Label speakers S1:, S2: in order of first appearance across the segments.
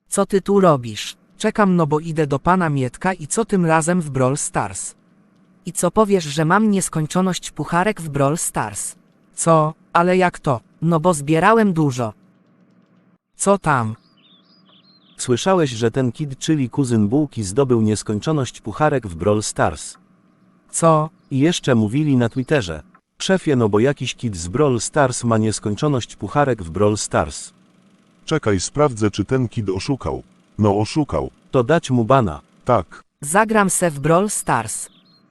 S1: Co ty tu robisz? Czekam, no bo idę do pana Mietka i co tym razem w Brawl Stars? I co powiesz, że mam nieskończoność pucharek w Brawl Stars? Co? Ale jak to? No bo zbierałem dużo. Co tam?
S2: Słyszałeś, że ten kid, czyli kuzyn Bułki, zdobył nieskończoność pucharek w Brawl Stars.
S1: Co?
S2: I jeszcze mówili na Twitterze. Szefie, no bo jakiś kid z Brawl Stars ma nieskończoność pucharek w Brawl Stars.
S3: Czekaj, sprawdzę, czy ten kid oszukał. No oszukał.
S2: To dać mu bana.
S3: Tak.
S1: Zagram se w Brawl Stars.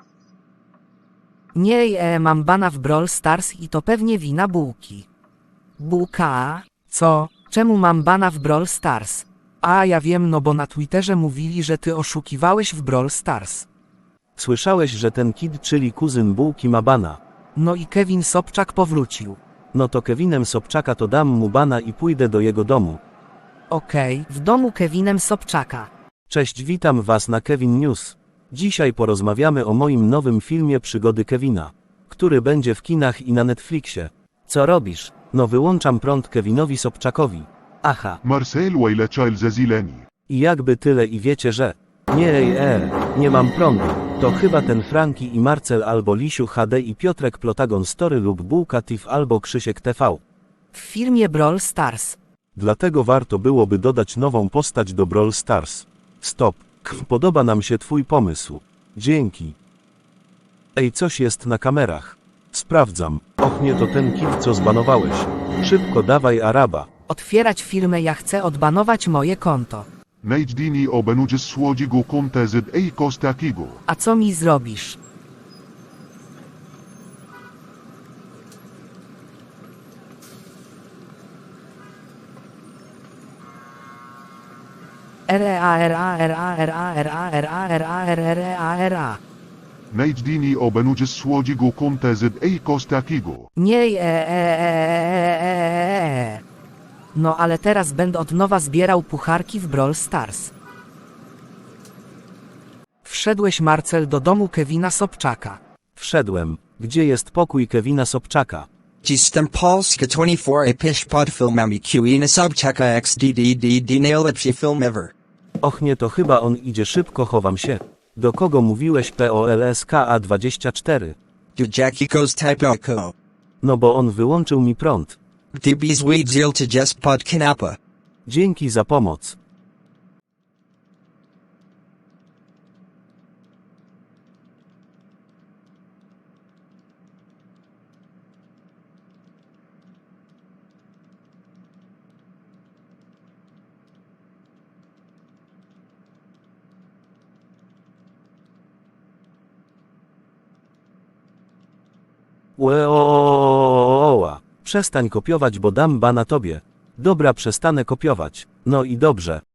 S1: Nie, mam bana w Brawl Stars i to pewnie wina Bułki. Bułka? Co? Czemu mam bana w Brawl Stars? A ja wiem, no bo na Twitterze mówili, że ty oszukiwałeś w Brawl Stars.
S2: Słyszałeś, że ten kid, czyli kuzyn Bułki, ma bana.
S1: No i Kevin Sobczak powrócił.
S2: No to Kevinem Sobczaka to dam mu bana i pójdę do jego domu.
S1: Okej, w domu Kevinem Sobczaka.
S2: Cześć, witam was na Kevin News. Dzisiaj porozmawiamy o moim nowym filmie Przygody Kevina, który będzie w kinach i na Netflixie. Co robisz? No wyłączam prąd Kevinowi Sobczakowi. Aha.
S3: Marcel Wajlecza Zazileni.
S2: I jakby tyle i wiecie, że... Nie mam prądu. To chyba ten Franki i Marcel albo Lisiu HD i Piotrek Plotagon Story lub Bułka TIF albo Krzysiek TV.
S1: W filmie Brawl Stars.
S3: Dlatego warto byłoby dodać nową postać do Brawl Stars. Stop. Podoba nam się twój pomysł. Dzięki. Ej, coś jest na kamerach. Sprawdzam. Och nie, to ten kid, co zbanowałeś. Szybko dawaj Araba.
S1: Otwierać firmę, ja chcę odbanować moje konto.
S3: Najdini obenudzisz słodzigu kontezyd ej kostakigu.
S1: A co mi zrobisz? R-A-R-A-R-A-R-A-R-A-R-A-R-A-R-A-R-A.
S3: Najdini obenudzisz słodzigu kontezyd ej kostakigu.
S1: Nie. No ale teraz będę od nowa zbierał pucharki w Brawl Stars. Wszedłeś, Marcel, do domu Kevina Sobczaka.
S2: Wszedłem. Gdzie jest pokój Kevina Sobczaka?
S4: Jestem Polska 24 pisz pod filmami Kevina Sobczaka XDDDD najlepszy film ever.
S2: Och nie, to chyba on idzie, szybko chowam się. Do kogo mówiłeś POLSKA24?
S4: Do Jackie goes type oko.
S2: No bo on wyłączył mi prąd.
S4: DB's weed zeal to just pod kanapa.
S2: Dzięki za pomoc. Przestań kopiować, bo dam bana tobie. Dobra, przestanę kopiować. No i dobrze.